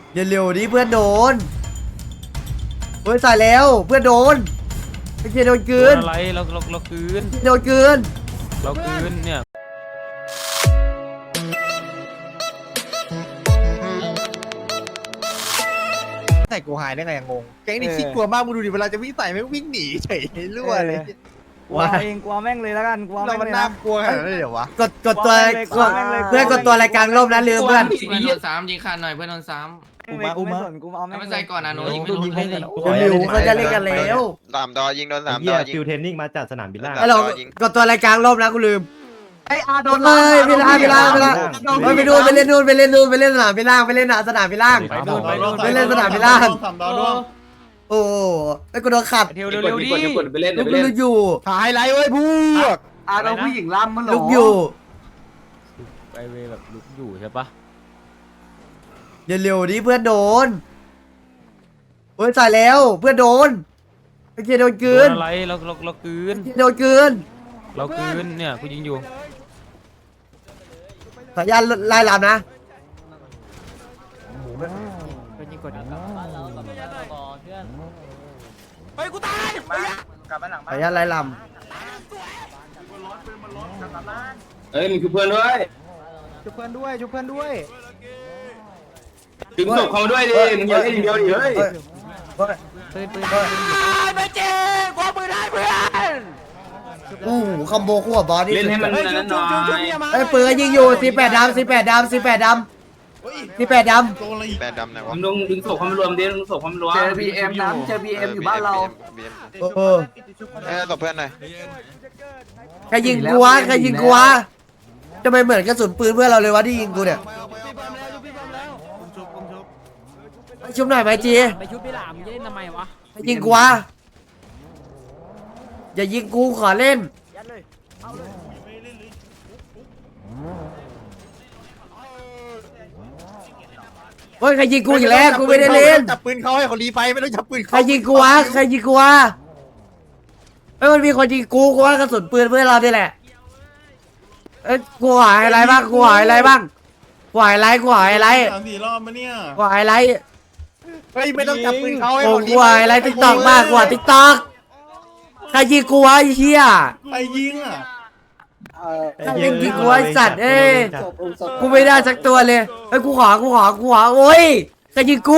อย่าเร็วดิเพื่อนโดนเฮ้ยตายแล้วเพื่อนโดนไอ้เจโดนกืนอะไรเราคืนโดนกืนเราคืนเนี่ยใส่กูหายได้ไงงงแก๊งนี่ขี้กลัวมากมึงดูดิเวลาจะวิ่งใส่ไม่วิ่งหนีเฉยรั่วเลยกลัวเองกลัวแม่งเลยแล้วกันกลัวเราแม่งมันเลยน่านะกลัวขนาดนั้นเลยเหรอวะกดตัวเพื่อนกดตัวรายการร่มนะลืมเพื่อนเพื่อนโดนซ้ำยิงขาดหน่อยเพื่อนโดนซ้กูไม่สนกูเอาำแม่แล้วงมันเลใส่ยก่อนนะโน้ยิงไม่ยิงรู้ให้เลยกันเร็วเขาจะเล่นกันแล้ว 3 ดอยิงโดน 3 ดเฮีอย ยิงฟิวเทนนิ่งมาจากสนามบินล่างไอ้เรากดตัวรายการร่มนะกูลืมไอ้อาโดนเลยเวลาไปดูไปเล่นนู่นไปเล่นสนามไปล่างไปเล่นสนามไปล่าง ไปเล่นสนามไปล่าง โอ้ไอ้กูโดนขัดเร็วดิลุกอยู่หายไรเว้ยพวกเราผู้หญิงล่ำมันหรอลุกอยู่ไปเวแบบลุกอยู่ใช่ปะอย่าเร็วดิเพื่อนโดนเฮ้ยตายแล้วเพื่อนโดนไอ้เจโดนกืนอะไรเราคืนโดนกืนเราคืนเนี่ยกูยิงอยู่สัญญาณไล่ลำนะสัญญาณไล่ลเอ้ยมึงคือเพื่อนด้วยชุบเพื่อนด้วยชุบเพื่อนด้วยถึงศพเขาด้วยดิมึงอย่าเล่นอย่างเดียวดิเฮ้ยอู้คอมโบคู่กับบอสนี่เล่นให้มันนั้นหน่อยไอ้ปืนยิงอยู่18 ดำ18 ดำ18 ดำ18 ดำแบนดำไหนวะมึงต้องดึงศพเขามารวมดิดึงศพเขามารวมเจอ BM น้ำเจอ BM อยู่บ้านเราเออตบเพื่อนหน่อยใครยิงกูวะใครยิงกูวะทำไมเหมือนกระสุนปืนเพื่อนเราเลยวะที่ยิงกูเนี่ยชุบหน่อยไหมจีไปชุบพี่หลามจะเล่นทำไมวะใครยิงกูวะอย่ายิงกูขอเล่นเฮ้ยใครยิงกูอีกแล้วกูไม่ได้เล่นจับปืนเขาให้เขารีไฟไม่ต้องจับปืนใครยิงกูวะใครยิงกูวะเอ้ยมันมีคนยิงกูว่ากระสุนปืนเพื่อนเรานี่แหละเอ้ยกูหายอะไรบ้างกูหายอะไรบ้างกูหายอะไรกูหายอะไร 3-4 รอบมาเนี่ยกูหายอะไรเฮ้ยไม่ต้องจับปืนเขาให้โอ้เขารีกูหายอะไรติ๊กตอกมากกว่าติ๊กตอกใครยิงกูวะไอ้เหี้ยไปยิงอ่ะใครยิงกูวะไอ้สัตว์เอ้ยกูไม่ได้สักตัวเลยเฮ้ยกูขอโอ้ยใครยิงกู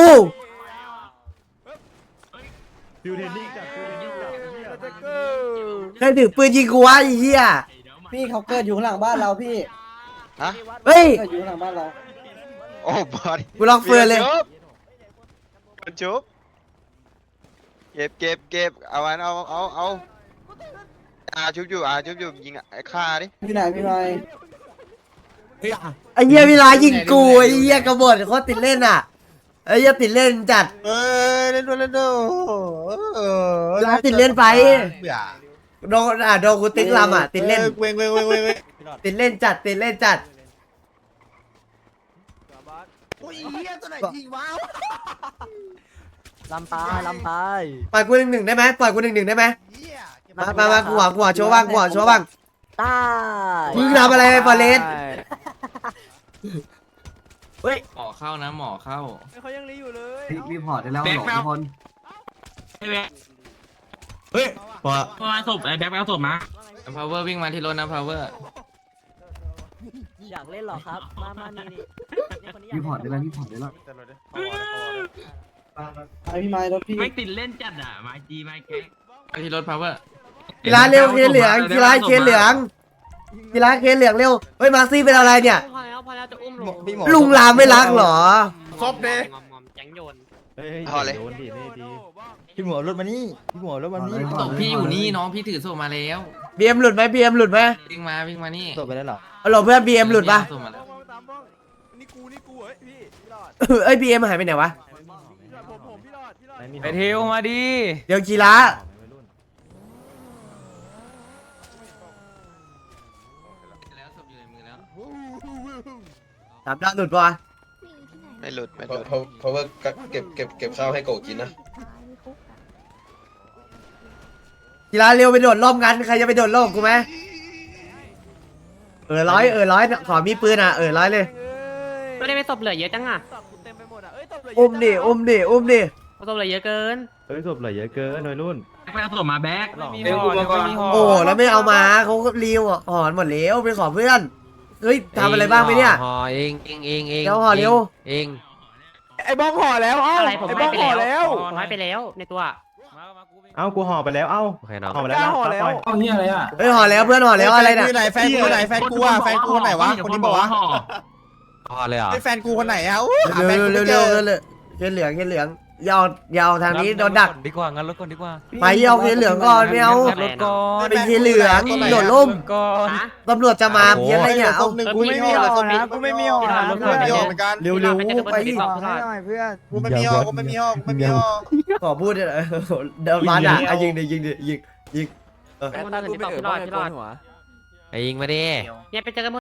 ฟิวเทนนิ่งจากฟิวเทนนิ่งจากใครถือปืนยิงกูวะไอ้เหี้ยพี่เขาเกิดอยู่ข้างหลังบ้านเราพี่ฮะเฮ้ยเกิดอยู่ข้างหลังบ้านเราโอ้บอสกูลองเฟือนเลยจุบเก็บเอาวันเอาชุบอยู่ยิงไอ้ฆ่าดิพี่นายพี่นายไอ้เหี้ยเวลายิงกูไอ้เหี้ยกระบฏเขาติดเล่นอ่ะไอ้เหี้ยติดเล่นจัดเล่นด้วยเวลาติดเล่นไปเบื่อโดนกูติ๊กลำอ่ะติดเล่นเว้งติดเล่นจัดโอ้ยเฮียตัวไหนยิงว้าวลำตายปล่อยกูหนึ่งได้ไหมปล่อยกูหนึ่งได้ไหมเฮียมากูหัวโชว์บ้างตายมึงทำอะไรฟอเรสหมอเข้านะหมอเข้ารีพอร์ตได้แล้วหลงทุกคนมาศพไอ้แบ็คเอาศพมา power วิ่งมาที่รถนะ power อยากเล่นหรอครับมานี่รีพอร์ตได้แล้วไอพี่ไม้รถพี่ไม่ติดเล่นจัดอ่ะมาจีมาแก๊กมาที่รถ power กีฬาเร็วเคนเหลืองเร็วเฮ้ยมาซี่เป็นอะไรเนี่ยพอแล้วจะอุ้มลงลุงรามไม่รักเหรอซบเด้แจังโยนเฮ้ยโดนดิเล่ดีพี่หมวรถมานี่พี่หมวรถมานี่ศพพี่อยู่นี่น้องพี่ถือศพมาแล้วบีเอ็มหลุดไหมวิ่งมานี่จบไปแล้วเหรอฮัลโหลเพื่อนบีเอ็มหลุดปะศพมาแล้วเอ้ยบีเอ็มหายไปไหนวะไปเทวมาดิเดี๋ยวกีฬาแล้วศพอยู่ในมือแล้วสามดาวหลุดปะไม่หลุดเพราะว่าเก็บข้าวให้โกกินนะกีฬาเร็วไปโดดร่มกันใครจะไปโดดร่มกูไหมร้อยขอมีปืนอ่ะร้อยเลยไม่ได้ไปศพเหลือเยอะจังอ่ะอุ้มดิอุ้มดิอุ้มดิผสมอะไรเยอะเกินเฮ้ยศพเหลือเยอะเกินวัยรุ่นแบ็คเอาศพมาแบ็คเดี๋ยวกูมาก่อนโอ้แล้วไม่เอามาเขาก็รีวหอนหมดแล้วไปขอเพื่อนเฮ้ยทำอะไรบ้างไหมเนี่ยห่อเองเองเดี๋ยวห่อเร็วเองไอ้บ้องห่อแล้วเอ้าอะไรผมไอ้ให้บ้องไปห่อแล้แล้ว วผมให้ไปแล้วในตัวเอ้ากูห่อไปแล้วเอ้าโอเคน้องห่อไปแล้วนะห่อแล้วปล่อยเอาเฮียอะไรอ่ะเฮ้ยห่อแล้วเพื่อนห่อแล้วอะไรเนี่ยแฟนกูไหนแฟนกูอ่ะแฟนกูไหนวะคนนี้บอกว่าห่อเลยเหรอไอ้แฟนกูคนไหนอ่ะหาแฟเร็นวกูเร็วไม่เจเร็วอเร็วเขียนเหลืองเขียนเหลืองยาวยาวทางนี้โดนดักดีกว่างั้นรถก่อนดีกว่าไปเอาเขียนเหลืองก่อนไม่เอารถก่อนเป็นเขียนเหลืองโดดล่มก่อนตำรวจจะมาเพี้ยนอะไรเนี่ยเอาหนึ่งกูไม่มีห่อนะกูไม่มีห่อนะกูไม่มีห่อเหมือนกันเร็วเร็วไปกูไม่มีห่อกูไม่มีห่อกูไม่มีห่อขอพูดเลยเดินมาด่ายิงดิยิงดิยิงพี่รอดไอ้ยิงมาดิเนี่ยไปเจอกัน